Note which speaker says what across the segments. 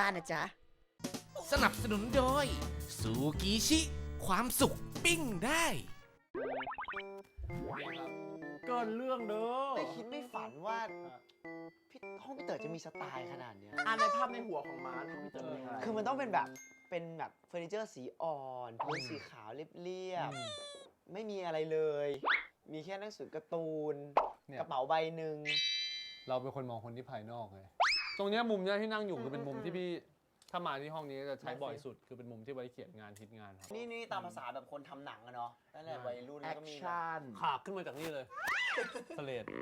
Speaker 1: บ้านนะจ๊ะ
Speaker 2: สนับสนุนโดยซูกิชิ ความสุขปิ้งได้
Speaker 3: เกินเรื่องเด้อ
Speaker 4: ไม่คิดไม่ฝันว่าห้องพี่เต๋อจะมีสไตล์ขนาดเนี้ย
Speaker 3: ในภาพในหัวของม้าที่พี่เต๋อเป็นอะไร
Speaker 4: คือมันต้องเป็นแบบเฟอร์นิเจอร์สีอ่อนพื้นสีขาวเรียบๆไม่มีอะไรเลย มีแค่หนังสือการ์ตูน
Speaker 5: เนี่ย
Speaker 4: กระเป๋าใบหนึ่ง
Speaker 5: เราเป็นคนมองคนที่ภายนอกไงตรงเนี้ยมุมเนี้ยที่นั่งอยู่คือเป็นมุมที่พี่ถ้ามาที่ห้องนี้จะใช้บ่อยสุดคือเป็นมุมที่ไว้เขียนงานทิศงานครับ
Speaker 4: นี่ตามภาษาแบบคนทำหนังอะเนาะตั้งแต่วัยรุ่น
Speaker 3: แอ
Speaker 4: แล้ว
Speaker 3: ค
Speaker 4: ก็มีแบบ
Speaker 3: ชั่น
Speaker 5: ขากขึ้นมาจากนี่เลยสเลด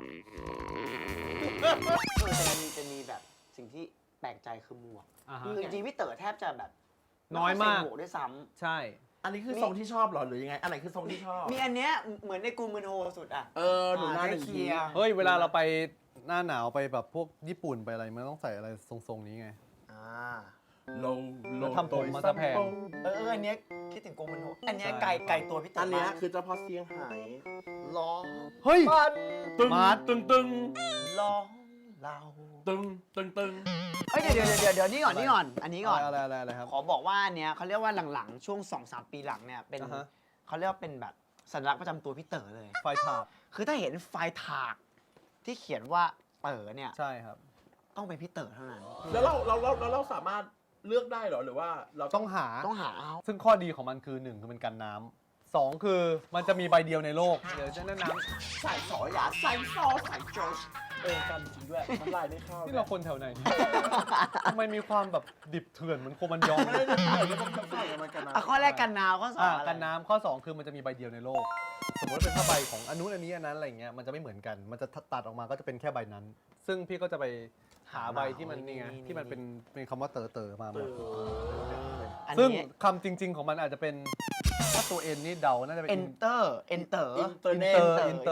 Speaker 4: จะมีแบบสิ่งที่แปลกใจคือหมวก
Speaker 5: อ่าฮะ
Speaker 4: คือจริงๆพี่เต๋อแทบจะแบบ
Speaker 5: น้อยมาก
Speaker 4: ไใส่หมวกด้วยซ้
Speaker 5: ใช่
Speaker 3: อันนี้คือทรงที่ชอบเหรอหรือยังไงอะไรคือทรงที่ชอบ
Speaker 4: ำมีอันเนี้ยเหมือนในกูมืนโฮสุดอะ
Speaker 3: หนูหน้าหนึ่ง
Speaker 4: เคลี
Speaker 3: ที
Speaker 4: ยร์
Speaker 5: เฮ้ยเวลาเราไปหน้าหนาวไปแบบพวกญี่ปุ่นไปอะไรมันต้องใส่อะไรทรงๆนี้ไง
Speaker 3: โล
Speaker 5: แล้วทำผมมาซะแพง
Speaker 4: อันเนี้ยคิดถึงกูมืนโฮอันเนี้ย
Speaker 5: ใช่
Speaker 4: ไกลตัวพี่เต๋อ
Speaker 3: อั
Speaker 4: อั
Speaker 3: นเนี้ยคือเจ้าพ่อเสียงหาย
Speaker 4: ร้อง
Speaker 5: เฮ้ย
Speaker 4: มัน
Speaker 3: ตึง
Speaker 5: มาร์ท
Speaker 3: ตึงตึง
Speaker 4: ร้องเรา
Speaker 3: ตึงตึงตึง
Speaker 4: เฮ้ยเดี๋ยวนี่ก่อนอันนี้ก่อน
Speaker 5: อะไรครับ
Speaker 4: ขอบอกว่าอันเนี้ยเขาเรียกว่าหลังๆช่วง 2-3 ปีหลังเนี่ยเป็น
Speaker 5: อ่าฮะ
Speaker 4: เขาเรียกว่าเป็นแบบสัญลักษณ์ประจำตัวพี่เต๋อเลย
Speaker 5: ไฟถาก
Speaker 4: คือถ้าเห็นไฟถากที่เขียนว่าเต๋อเนี่ย
Speaker 5: ใช่ครับ
Speaker 4: ต้องเป็นพี่เต๋อเท่านั้น
Speaker 3: แล้วเราสามารถเลือกได้เหรอหรือว่าเรา
Speaker 5: ต้องหา
Speaker 4: ต้องหาเอา
Speaker 5: ซึ่งข้อดีของมันคือ1คือมันกันน้ำ2คือมันจะมีใบเดียวในโลกเดี๋ยวจะแนะน
Speaker 3: ใส่สอหยาใส่ซอใส่โจชกันจริงด้วยมันลายไม่เข้า
Speaker 5: ำนี่เราคนแถวไหนเนี่ยทำไมมีความแบบดิบเถื่อนเหมือนโคมันยอง
Speaker 3: ไม่ได้เดี๋ยวผมจะใส่มันกันนะ
Speaker 4: อ่ะข้อแรกกันหนาวข้อสองอะไร
Speaker 5: กันน้ำข้อ 2 คือมันจะมีใบเดียวในโลก สมมติว่าเป็นผ้าใบของอันนู้นอันนี้อันนั้นอะไรเงี้ยมันจะไม่เหมือนกัน มันจะตัดออกมาก็จะเป็นแค่ใบนั้น ซึ่งพี่ก็จะไปหาใบที่มันนี่ไงที่มันเป็นคำว่าเต๋อมาหมด
Speaker 4: อัน
Speaker 5: ซึ่ง
Speaker 4: นี้
Speaker 5: คำจริง ๆของมันอาจจะเป็นถ้าตัวเอ็นนี่เดาน่าจะเป็น
Speaker 4: enter
Speaker 3: อินเตอร์เนต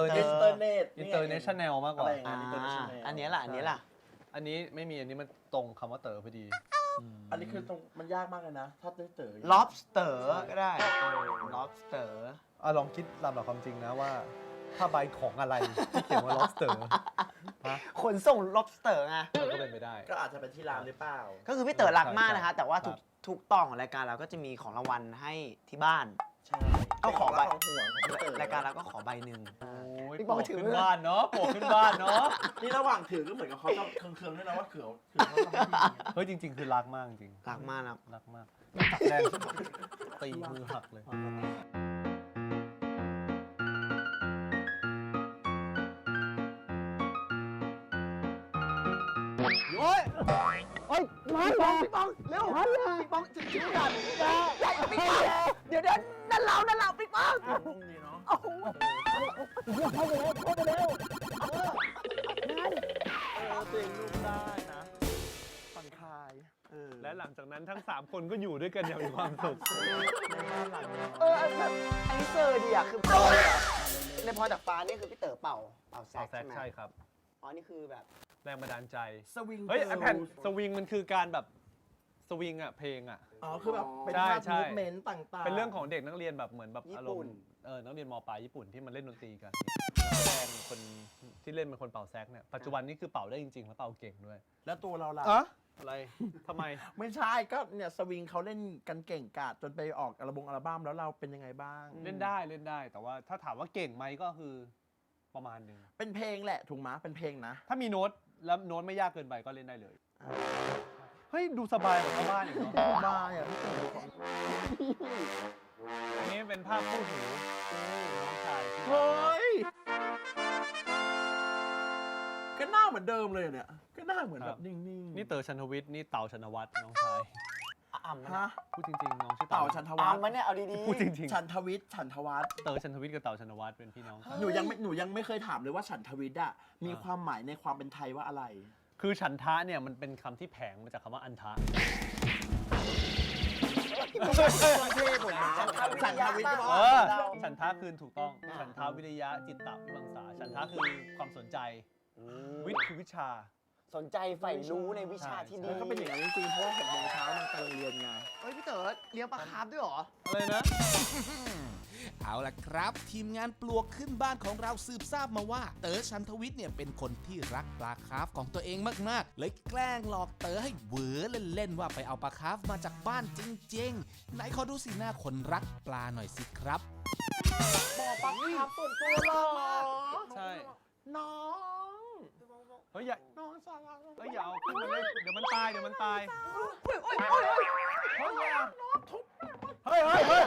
Speaker 5: international มากกว่า
Speaker 4: อ่าอันนี้ล่ะ
Speaker 5: อันนี้ไม่มีอันนี้มันตรงคำว่าเต๋อพอดี
Speaker 3: อันนี้คือตรงมันยากมากเลยนะ ถ้าเต๋อ
Speaker 4: lobster ก็ได้ lobster
Speaker 5: ลองคิดตามหลักความจริงนะว่าผ้าใบของอะไรที่เขียนว่า lobster ฮะ
Speaker 4: ขนส่ง lobster ไง
Speaker 5: ก็เป็นไปได้
Speaker 3: ก็อาจจะเป็นที่ร้านหรือเปล่า
Speaker 4: ก็คือพี่เต๋อรักมากนะคะ
Speaker 5: ใช่
Speaker 4: แต่ว่า
Speaker 5: ครับ
Speaker 4: ทุกตอนของรายการเราก็จะมีของรางวัลให้ที่บ้าน
Speaker 3: ใช่
Speaker 4: เอาขอใบ
Speaker 3: ของห่วงของพี่เต๋อ
Speaker 4: รายการเราก็ขอใบหนึ่ง
Speaker 5: โอ้ย
Speaker 4: พี่
Speaker 5: โป
Speaker 4: บอ
Speaker 5: ก
Speaker 4: กถือ
Speaker 5: ขึ้นบ้านเนาะโปกขึ้นบ้านเนาะ
Speaker 3: นี่ระหว่างถือก็เหมือนกับเขาจะเคืองๆด้วยนะว่าเขาทำไม่ดี
Speaker 5: เฮ้ยจริง ๆ คือรักมากจริง
Speaker 4: รักมากนะ
Speaker 5: รักมากตัดแรงตีมือหักเลย
Speaker 4: โอ้ยโอ้ยมาพี่ปองเร็วพี่ปองจะชิวกันพี่ปองเดี๋ยวนั่นเราพี่ปอง
Speaker 3: พรุ่งนี้เนาะ ตัวเองลูกได้นะผ่อนคลาย
Speaker 5: และหลังจากนั้นทั้ง 3 คนก็อยู่ด้วยกันอย่างมีความสุข
Speaker 4: แบบอันนี้เซอร์ดีอ่ะคือโปรเลยอะในพอจากฟ้านี่คือพี่เต๋อเป่าแซก
Speaker 5: แซก
Speaker 4: ใช่ไหม
Speaker 5: ใช่ครับ
Speaker 4: อ๋อนี่คือแบบ
Speaker 5: แรงบันดาลใจ
Speaker 3: สวิง
Speaker 5: เฮ้ยไอแผ่นสวิงมันคือการแบบสวิงอะเพลงอะ
Speaker 3: อ๋อคือแบบเป็น
Speaker 5: ใช่
Speaker 3: ภาพ
Speaker 5: ใช่
Speaker 3: มูฟเมนต์ต่างๆ
Speaker 5: เป็นเรื่องของเด็กนักเรียนแบบเหมือนแบบอารมณ์นักเรียนมปลายญี่ปุ่นที่มันเล่นดนตรีกันนักแสดงคนที่เล่นเป็นคนเป่าแซกเนี่ยปัจจุบันนี้คือเป่าได้จริงๆแล้วเป่าเก่งด้วย
Speaker 3: แล้วตัวเราล่ะ
Speaker 5: อะไรทำไม
Speaker 3: ไม่ใช่ก็เนี่ยสวิงเขาเล่นกันเก่งกาจจนไปออกอัลบั้มแล้วเราเป็นยังไงบ้าง
Speaker 5: เล่นได้แต่ว่าถ้าถามว่าเก่งไหมก็คือประมาณหนึง
Speaker 3: เป็นเพลงแหละถูกไหมเป็นเพลงนะ
Speaker 5: ถ้ามีโน้ตแล้วโน้ตไม่ยากเกินไปก็เล่นได้เลยเฮ้ยดูสบายกว่าชาวบ้านอีกเนาะ
Speaker 3: บ้าอ่ะพี่เต๋อ
Speaker 5: อันนี้เป็นภาพคู่หูน้องชายที่
Speaker 3: เฮ้ยก็หน้าเหมือนเดิมเลยเนี่ยก็หน้าเหมือนแบบนิ่งๆ
Speaker 5: นี่เต๋อชันทวิทย์นี่เต่าชนวัฒน์น้องชาย
Speaker 4: อ่ำ
Speaker 3: ฮะ
Speaker 5: พูดจริงๆน้องชื่อ
Speaker 3: เต่าชันทวัฒน์
Speaker 4: อ่ำมันเนี่ยเอาดีๆ
Speaker 5: พูดจริง
Speaker 3: ฉันทวิทย์ฉันทวัฒน์
Speaker 5: ๆเต๋อชันทวิทย์กับเต่าชนวัฒน์เป็นพี่น้องกัน
Speaker 3: หนูยังไม่เคยถามเลยว่าฉันทวิทย์อะมีความหมายในความเป็นไทยว่าอะไร
Speaker 5: คือฉันทะเนี่ยมันเป็นคำที่แผงมาจากคำว่าอันทะ
Speaker 3: ฉันทวิทย์
Speaker 5: ฉันทะคือถูกต้องฉันทะวิริยะจิตตะวิมังสาฉันทะคือความสนใจวิทย์คือวิชา
Speaker 4: สนใจใฝ่รู้ในวิชาที่ดี
Speaker 3: แล้วก็เป็นอย่างนั้นจริงๆเพราะว่า6 โมงเช้านางไปโรงเรียนไง
Speaker 4: เฮ้ยพี่เต๋อเลี้ยงปลาคาร์ฟด้วยเหรอ
Speaker 5: อะไรนะ
Speaker 2: เอาล่ะครับ ทีมงานปลวกขึ้นบ้านของเราสืบทราบมาว่า เต๋อชันทวิทย์เนี่ยเป็นคนที่รักปลาคาร์ฟของตัวเองมากๆ เลยแกล้งหลอกเต๋อให้เหวอเล่นๆว่าไปเอาปลาคาร์ฟมาจากบ้านจริงๆไหนขอดูสีหน้าคนรักปลาหน่อยสิครับ
Speaker 3: บอกปลาคาร์ฟส่วนตัวเหรอ
Speaker 5: ใช่
Speaker 3: น้อง
Speaker 5: เฮ้ยอย่า
Speaker 3: น้องสาว
Speaker 5: เฮ้ยอย่าเอาขึ้นมาเล่นเดี๋ยวมันตาย เฮ้ย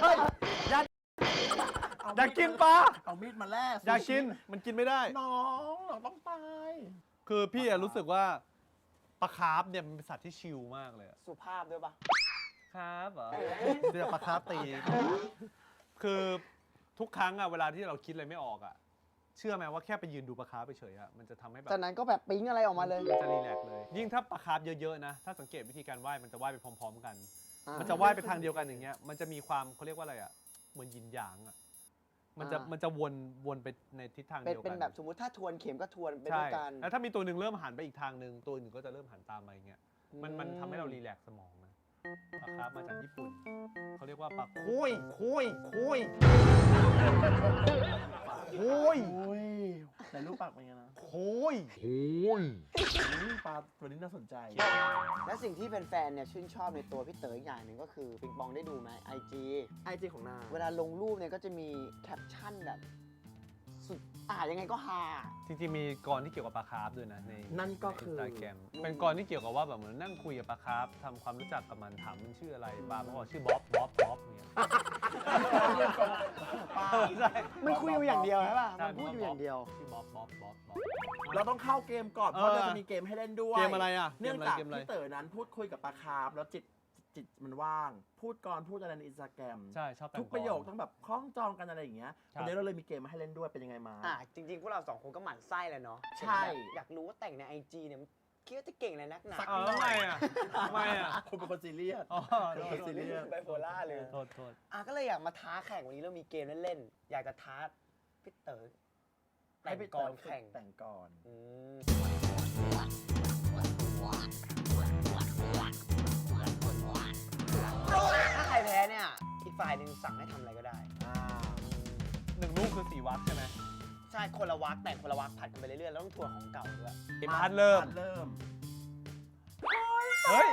Speaker 5: อยากกินปลา
Speaker 3: เอามีดมาแล่
Speaker 5: อยากกินมันกินไม่ได้
Speaker 3: น้องต้องตาย
Speaker 5: คือพี่อะรู้สึกว่าปลาคาร์ฟเนี่ยมันเป็นสัตว์ที่ชิลมากเลยอะ
Speaker 4: สุภาพด้วยปะ
Speaker 5: คาร์ฟเหรอเรียกปลาคาร์ฟตี คือทุกครั้งอะเวลาที่เราคิดอะไรไม่ออกอะเชื่อไหมว่าแค่ไปยืนดูปลาคาร์ฟไปเฉยอะมันจะทำให้แบบ
Speaker 4: จากนั้นก็แบบปิ๊งอะไรออกมาเลย
Speaker 5: มันจะรีแลกซ์เลย ยิ่งถ้าปลาคาร์ฟเยอะๆนะ ถ้าสังเกตวิธีการว่ายมันจะว่ายไปพร้อมๆกัน
Speaker 4: อ่ามั
Speaker 5: มันจะว่ายไปทางเดียวกันอย่างเงี้ย มันจะมีความเขาเรียกว่าอะไรอะเหมือนยินหยางอะมันจะวนไปในทิศทางเดียวกัน
Speaker 4: เป็นแบบสมมติถ้าทวนเข็มก็ทวนไปด้
Speaker 5: ใช่
Speaker 4: วยกัน
Speaker 5: แล้วถ้ามีตัวหนึ่งเริ่มหันไปอีกทางหนึ่งตัวอื่นก็จะเริ่มหันตามมาอย่างเงี้ย มันทำให้เรารีแลกซ์สมองนะปลาคาร์ฟมาจากญี่ปุ่นเขาเรียกว่าปลาคุย
Speaker 3: โอ้ยแต่รูปปากเป็นไงนะ ปลาตัวนี้น่าสนใจ
Speaker 4: และสิ่งที่แฟนๆเนี่ยชื่นชอบในตัวพี่เต๋ออีกอย่างหนึ่งก็คือปิงปองได้ดูไหม IG
Speaker 3: ไอจีของนาง
Speaker 4: เวลาลงรูปเนี่ยก็จะมีแคปชั่นแบบสุดยังไงก็ฮา
Speaker 5: จริงๆมีกรที่เกี่ยวกับปลาคาร์ฟด้วยนะใน
Speaker 3: นั่นก็คือ
Speaker 5: ใน Instagram เป็นกรที่เกี่ยวกับว่าแบบเหมือนนั่งคุยกับปลาคาร์ฟทำความรู้จักกับมันถามมันชื่ออะไรปลามันบอกชื่อบ๊อบเนี่ย ใช่
Speaker 4: มันคุยอยู่อย่างเดียวใช่ป่ะ
Speaker 5: ใช่
Speaker 4: มันพูดอยู่อย่างเดียว
Speaker 5: ชื่อบ๊อบ
Speaker 3: เราต้องเข้าเกมก่อน เพราะเราจะมีเกมให้เล่นด้วย
Speaker 5: เกมอะไรอ่ะ
Speaker 3: เนื่องจาก
Speaker 5: เกมอะไร
Speaker 3: พี่เต๋อนั้นพูดคุยกับปลาคาร์ฟแล้วจิตมันว่าง พูดก่อนพูดอะไรในอินสตาแกรม
Speaker 5: ใช่ชอบแต่ง
Speaker 3: ทุกประโยคต้องแบบคล้องจองกันอะไรอย่างเงี้ย
Speaker 5: ครับ
Speaker 3: วันนี้เราเลยมีเกมมาให้เล่นด้วยเป็นยังไงมา
Speaker 4: จริงๆ พวกเราสองคนก็หมั่นไส้เลยเนาะ
Speaker 3: ใช่
Speaker 4: อยากรู้ว่าแต่งใน IG เนี่ยมันคิดว่าจะเก่งอะไรนักหนา
Speaker 5: อ้าวแล้วทำไมอ่ะ
Speaker 3: คุณเป็นคนซีเรียส
Speaker 5: อ๋อ
Speaker 3: เป็นคนซีเรียส
Speaker 4: ไบโพล่าเลย
Speaker 5: โทษ
Speaker 4: ก็เลยอยากมาท้าแข่งวันนี้เรามีเกมเล่นๆ อยากจะท้าพี่เต๋อแต่
Speaker 3: ให้
Speaker 4: ง
Speaker 3: พี่
Speaker 4: ก่
Speaker 3: เต๋
Speaker 4: อ
Speaker 3: อน
Speaker 4: แข่ง
Speaker 3: แต่งก่อน
Speaker 4: อืมถ้าใครแพ้เนี่ย อีกฝ่ายหนึ่งสั่งให้ทำอะไรก็ได้
Speaker 5: หนึ่งลูกคือ4 วักใช่ไหม
Speaker 4: ใช่คนละวักแต่งคนละวักผัดกันไปเรื่อยๆ แล้วต้องทวนของเก่าด้วย
Speaker 5: เกมพัดเริ่ม
Speaker 3: เริ่ม
Speaker 5: เฮ้ย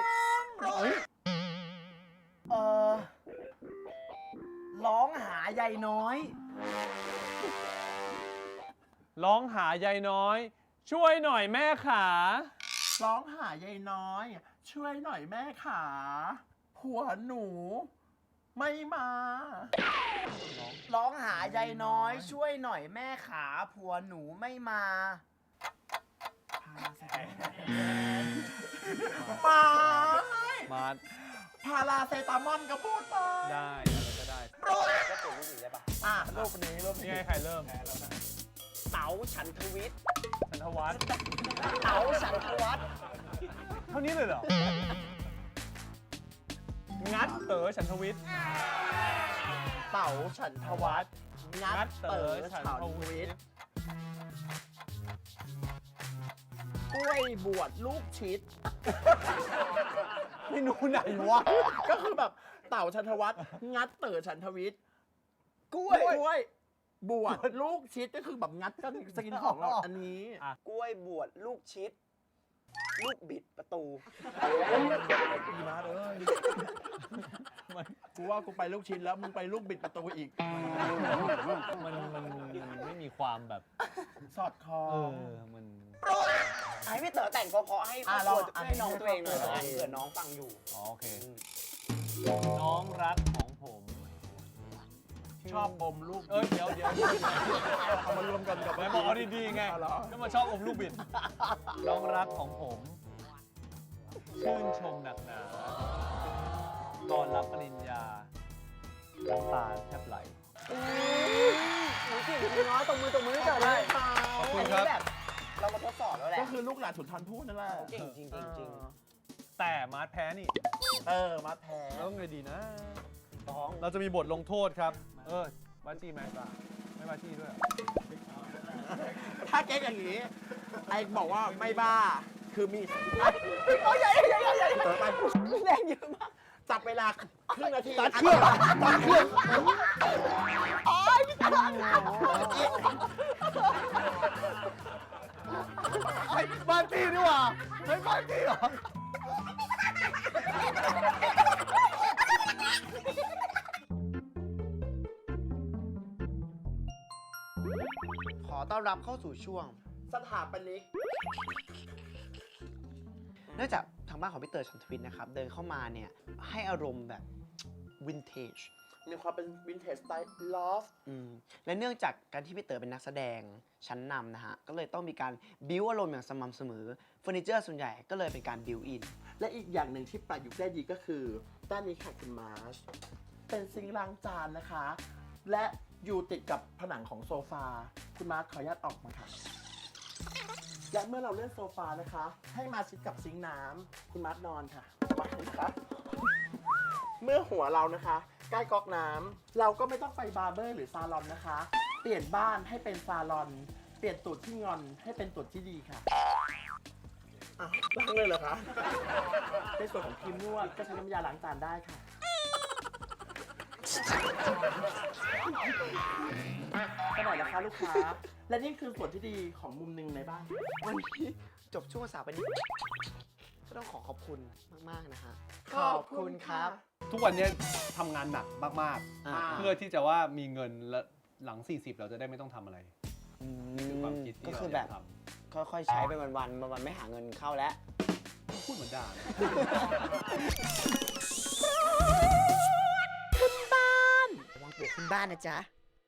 Speaker 3: ร้องหาใยน้อย
Speaker 5: ร้องหายายน้อย ช่วยหน่อยแม่ขา
Speaker 3: ร้องหาใยน้อย ช่วยหน่อยแม่ขาผัวหนู ไม่มา
Speaker 4: ร้องหายายน้อย ช่วยหน่อยแม่ขาผัวหนูไม่มา
Speaker 3: มา
Speaker 5: มา
Speaker 3: พาราเซตามอนก็พูดไป
Speaker 5: ได้อะไรก็ได้
Speaker 4: ก็เปลี่ยนรูปอีกได้ปะ
Speaker 3: รูปนี้รูป
Speaker 5: นี่
Speaker 3: นี้
Speaker 5: ไงใครเริ่ม
Speaker 4: เต๋าฉันทวิทย์
Speaker 5: ชันทวัฒน์
Speaker 4: เต๋าฉันทวัฒน์
Speaker 5: เท่านี้เลยเหรอ งัดเต๋อฉันทวิทย์
Speaker 3: เต๋าฉันทวัฒน์งัดเต๋อฉันทวิทย์กล้วยบวชลูกชิด
Speaker 5: เมนูไหนวะ
Speaker 3: ก็คือแบบเต่าชันทวัฒน์งัดเต๋อฉันทวิทย์
Speaker 4: กล้
Speaker 3: ก
Speaker 4: วย
Speaker 3: ล้วยบวชลูกชิดก็คือแบบงัดกันสกินของเราอันนี้
Speaker 4: กล้วยบวชลูกชิด ลูกบิดประตู
Speaker 3: ดีมากเลยกูว่ากูไปลูกชิ้นแล้วมึงไปลูกบิดประตูอีก
Speaker 5: มันไม่มีความแบบ
Speaker 3: สอดคอ
Speaker 5: มัน
Speaker 4: ให้พี่เต๋อแต่งเพราะๆให้ครอบครัวให้น้องตัวเองหน่อยละกันเผื่อน้องฟังอยู่
Speaker 5: โอเค น้องรักของผม
Speaker 3: ชอบอมลูก
Speaker 5: เดี๋ยว
Speaker 3: เอามารวมกันกับ
Speaker 5: ไม่บอกเอาดีๆไง
Speaker 3: เอาเหรอ
Speaker 5: ก็มาชอบอมลูกบิด น้องรักของผม ชื่นชมหนักหนา ตอนรับปริญญาน้ำตาแทบไหล
Speaker 4: หนูเก่งจริงเนาะตบมือให้เต๋อเลย
Speaker 5: ขอบคุ
Speaker 4: อั
Speaker 5: ณ
Speaker 4: น
Speaker 5: ครั
Speaker 4: นี้
Speaker 5: บ
Speaker 4: แบบเรามาทดสอบแล้วแหละ
Speaker 3: ก็คือลูกหลานสุนทรภู่นั่นแหละ
Speaker 4: เก่งจริงจริง
Speaker 5: แต่มาร์ทแพ้นี่
Speaker 3: มาแพ้
Speaker 5: แล้วไงดีนะ
Speaker 4: ท้อง
Speaker 5: เราจะมีบทลงโทษครับ บาจี้ไหมไม่บาจี้ด้วยเหรอ
Speaker 3: ถ้าเก๊กอย่างนี้ ไอ้บอกว่าไม่บ้าคือมีโอ้ยใหญ่เต๋อไป
Speaker 4: แรงเยอะมาก
Speaker 3: จับเวลาครึ่งนาที
Speaker 5: ตัดเครื่องตัดเครื่องไอ้บ้านพี่นี่หว่าไอ้บ้านพี่เหรอ
Speaker 4: ขอต้อนรับเข้าสู่ช่วง
Speaker 3: สถาปนิก
Speaker 4: เนื่องจากทางบ้านของพี่เต๋อชันทวิทย์นะครับ เดินเข้ามาเนี่ย ให้อารมณ์แบบวินเทจ
Speaker 3: มีความเป็นวินเทจสไตล์ลอฟ
Speaker 4: และเนื่องจากการที่พี่เต๋อเป็นนักแสดงชั้นนำนะฮะ ก็เลยต้องมีการบิวอารมณ์อย่างสม่ำเสมอเฟอร์นิเจอร์ส่วนใหญ่ก็เลยเป็นการบิวอิน
Speaker 3: และอีกอย่างหนึ่งที่ประยุกต์ได้ดีก็คือด้านนี้ค่ะคุณมาร์ชเป็นซิงค์ล้างจานนะคะ และอยู่ติดกับผนังของโซฟาคุณมาร์ชขออนุญาตออกมาค่ะ และเมื่อเราเลื่อนโซฟานะคะ ให้มาชิดกับซิงค์น้ำคุณมาร์ชนอนค่ะสบายนะคะเมื่อหัวเรานะคะใกล้ก๊อกน้ำเราก็ไม่ต้องไปบาร์เบอร์หรือซาลอนนะคะ เปลี่ยนบ้านให้เป็นซาลอน เปลี่ยนตูดที่งอนให้เป็นตูดที่ดีค่ะอ้าวล้างเลยเหรอคะในส่วนของครีมนวดก็ใช้น้ำยาล้างจานได้ค่ะก็หน่อยนะคะลูกค้า และนี่คือส่วนที่ดีของมุมหนึ่งในบ้าน
Speaker 4: วันนี้จบช่วงสาวไปนี้ก็ต้องขอขอบคุณมากๆนะฮะ
Speaker 3: ขอบคุณครับ
Speaker 5: ทุกวันนี้ทำงานหนักมาก
Speaker 4: อ่า
Speaker 5: ๆ เพื่อที่จะว่ามีเงินและหลัง 40 เราจะได้ไม่ต้องทำอะไรคือความคิดที่
Speaker 4: ก็
Speaker 5: เรา
Speaker 4: คือ
Speaker 5: อ
Speaker 4: แบ
Speaker 5: ยา
Speaker 4: บ
Speaker 5: กท
Speaker 4: ค่อยๆใช้ไปวันๆไม่หาเงินเข้าแล้ว
Speaker 5: ำพูดเหมือนด่า
Speaker 4: ระวังปลวกขึ้นบ้านนะจ๊ะ